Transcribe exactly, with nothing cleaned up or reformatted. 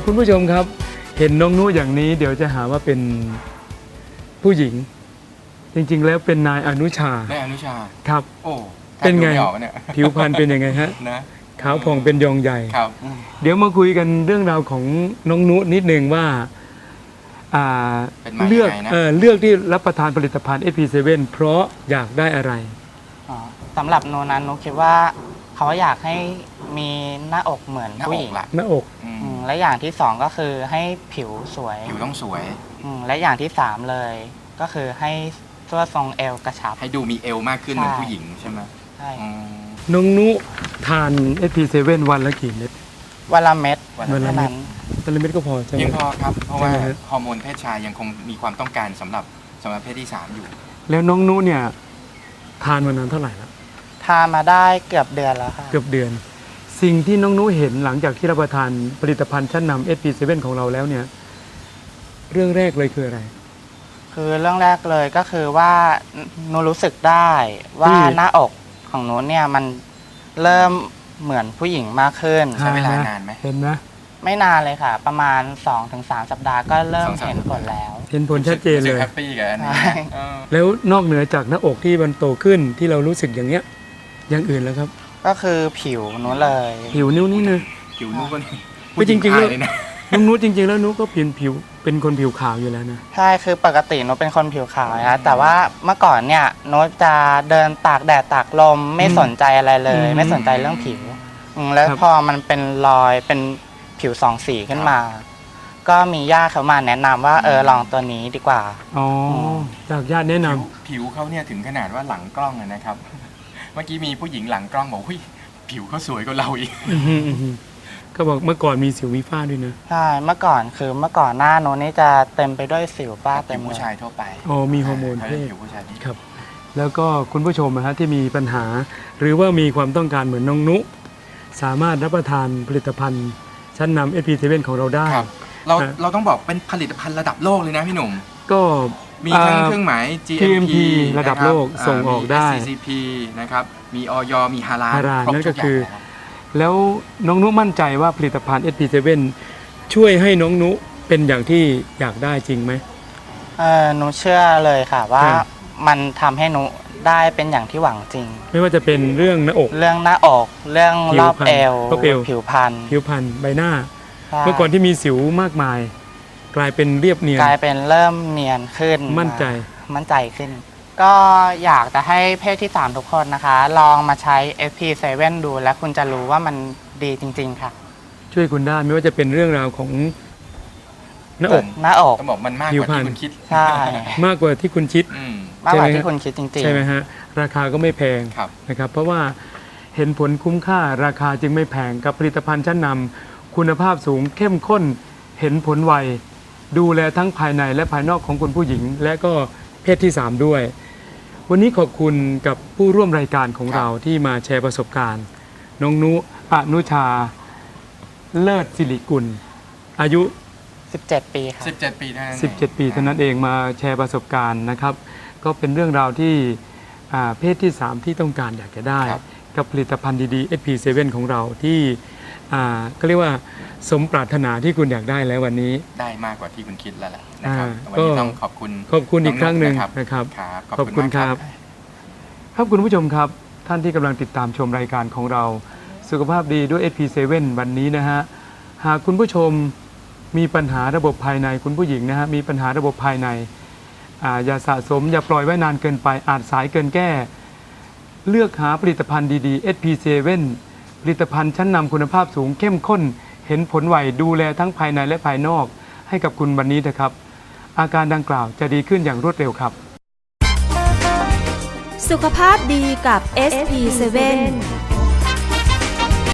คุณผู้ชมครับเห็นน้องนุอย่างนี้เดี๋ยวจะหาว่าเป็นผู้หญิงจริงๆแล้วเป็นนายอนุชานายอนุชาครับโอ้เป็นไงเนี่ยผิวพรรณเป็นยังไงฮะนะขาวผ่องเป็นยองใหญ่ครับเดี๋ยวมาคุยกันเรื่องราวของน้องนุนิดนึงว่าเลือกเออเลือกที่รับประทานผลิตภัณฑ์ เอส พี เซเว่น เพราะอยากได้อะไรสำหรับโนนั้นนุคิดว่าเขาอยากให้มีหน้าอกเหมือนผู้หญิงหน้าอกและอย่างที่สองก็คือให้ผิวสวยผิวต้องสวยและอย่างที่สามเลยก็คือให้ตัวทรงเอวกระชับให้ดูมีเอวมากขึ้นเหมือนผู้หญิงใช่ไหมใช่น้องนุทาน เอส พี เซเว่น วันละกี่เม็ดวันละเม็ดวันละเม็ดวันละเม็ดก็พอใช่ไหมยังพอครับเพราะว่าฮอร์โมนเพศชายยังคงมีความต้องการสำหรับสำหรับเพศที่สามอยู่แล้วน้องนุเนี่ยทานมานานเท่าไหร่แล้วทานมาได้เกือบเดือนแล้วค่ะเกือบเดือนสิ่งที่น้องนุเห็นหลังจากที่รับประทานผลิตภัณฑ์ชั้นนำ เอส พี เซเว่น ของเราแล้วเนี่ยเรื่องแรกเลยคืออะไรคือเรื่องแรกเลยก็คือว่าหนูรู้สึกได้ว่าหน้าอกของหนูเนี่ยมันเริ่มเหมือนผู้หญิงมากขึ้นใช้เวลานานไหมเห็นไหมไม่นานเลยค่ะประมาณ สองถึงสาม สัปดาห์ก็เริ่มเห็นผลแล้วเห็นผลชัดเจนเลยแฮปปี้กันแล้วนอกเหนือจากหน้าอกที่มันโตขึ้นที่เรารู้สึกอย่างเงี้ยอย่างอื่นแล้วครับก็คือผิวหนูเลยผิวนิ้วนี่นึงผิวนิ้วก็ไม่จริงๆแล้วน้องนุจริงๆแล้วนุก็ผิวผิวเป็นคนผิวขาวอยู่แล้วนะใช่คือปกตินุเป็นคนผิวขาวนะแต่ว่าเมื่อก่อนเนี่ยนุจะเดินตากแดดตากลมไม่สนใจอะไรเลย ไม่สนใจเรื่องผิวแล้วพอมันเป็นรอยเป็นผิวสองสีขึ้นมาก็มีญาติเขามาแนะนำว่าเออลองตัวนี้ดีกว่าอ๋อจากญาติแนะนำผิวเขาเนี่ยถึงขนาดว่าหลังกล้องนะครับเมื่อกี้มีผู้หญิงหลังกล้องบอกว่าผิวเขาสวยกว่าเราอีกก็บอกเมื่อก่อนมีสิวมีฝ้าด้วยนะใช่เมื่อก่อนคือเมื่อก่อนหน้าโน้นนี่จะเต็มไปด้วยสิวฝ้าเต็มผู้ชายทั่วไปอ๋อมีฮอร์โมนเพศผิวผู้ชายครับแล้วก็คุณผู้ชมนะฮะที่มีปัญหาหรือว่ามีความต้องการเหมือนน้องนุสามารถรับประทานผลิตภัณฑ์ชั้นนำ เอส พี เซเว่น ของเราได้เราเราต้องบอกเป็นผลิตภัณฑ์ระดับโลกเลยนะพี่หนุ่มก็มีทั้งเครื่องหมาย จี เอ็ม พีระดับโลกส่งออกได้ซี ซี พี นะครับมีอย มีฮาลาลนั่นก็คือแล้วน้องนุมั่นใจว่าผลิตภัณฑ์ เอส พี เซเว่น ช่วยให้น้องนุเป็นอย่างที่อยากได้จริงไหมเออหนูเชื่อเลยค่ะว่ามันทำให้หนูได้เป็นอย่างที่หวังจริงไม่ว่าจะเป็นเรื่องหน้าอกเรื่องหน้าอกเรื่องรอบเอวผิวพรรณผิวพรรณใบหน้าเมื่อก่อนที่มีสิวมากมายกลายเป็นเรียบเนียนกลายเป็นเริ่มเนียนขึ้นมั่นใจมั่นใจขึ้นก็อยากจะให้เพศที่สามทุกคนนะคะลองมาใช้ เอส พี เซเว่น ดูแล้วคุณจะรู้ว่ามันดีจริงๆค่ะช่วยคุณได้ไม่ว่าจะเป็นเรื่องราวของหน้าอกหน้าอกต้องบอกมันมากกว่าที่คุณคิดใช่มากกว่าที่คุณคิดมากกว่าที่คุณคิดจริงๆใช่ไหมฮะราคาก็ไม่แพงนะครับเพราะว่าเห็นผลคุ้มค่าราคาจึงไม่แพงกับผลิตภัณฑ์ชั้นนำคุณภาพสูงเข้มข้นเห็นผลไวดูแลทั้งภายในและภายนอกของคุณผู้หญิงและก็เพศที่สามด้วยวันนี้ขอบคุณกับผู้ร่วมรายการของเราที่มาแชร์ประสบการณ์น้องนุอนุชาเลิศศิริกุลอายุสิบเจ็ดปีค่ะสิบเจ็ดปีเท่านั้นสิบเจ็ดปีเท่านั้นเองมาแชร์ประสบการณ์นะครับก็เป็นเรื่องราวที่เพศที่สามที่ต้องการอยากจะได้กับผลิตภัณฑ์ดีๆ เอส พี เซเว่น ของเราที่ก็เรียกว่าสมปรารถนาที่คุณอยากได้แล้ววันนี้ได้มากกว่าที่คุณคิดแล้วแหละนะครับวันนี้ต้องขอบคุณขอบคุณอีกครั้งหนึ่งนะครับขอบคุณครับครับคุณผู้ชมครับท่านที่กำลังติดตามชมรายการของเราสุขภาพดีด้วย เอส พี เซเว่น วันนี้นะฮะหากคุณผู้ชมมีปัญหาระบบภายในคุณผู้หญิงนะฮะมีปัญหาระบบภายในอย่าสะสมอย่าปล่อยไว้นานเกินไปอาจสายเกินแก้เลือกหาผลิตภัณฑ์ดีๆ เอส พี เซเว่น ผลิตภัณฑ์ชั้นนำคุณภาพสูงเข้มข้นเห็นผลไวดูแลทั้งภายในและภายนอกให้กับคุณวันนี้นะครับอาการดังกล่าวจะดีขึ้นอย่างรวดเร็วครับสุขภาพดีกับ เอส พี เซเว่น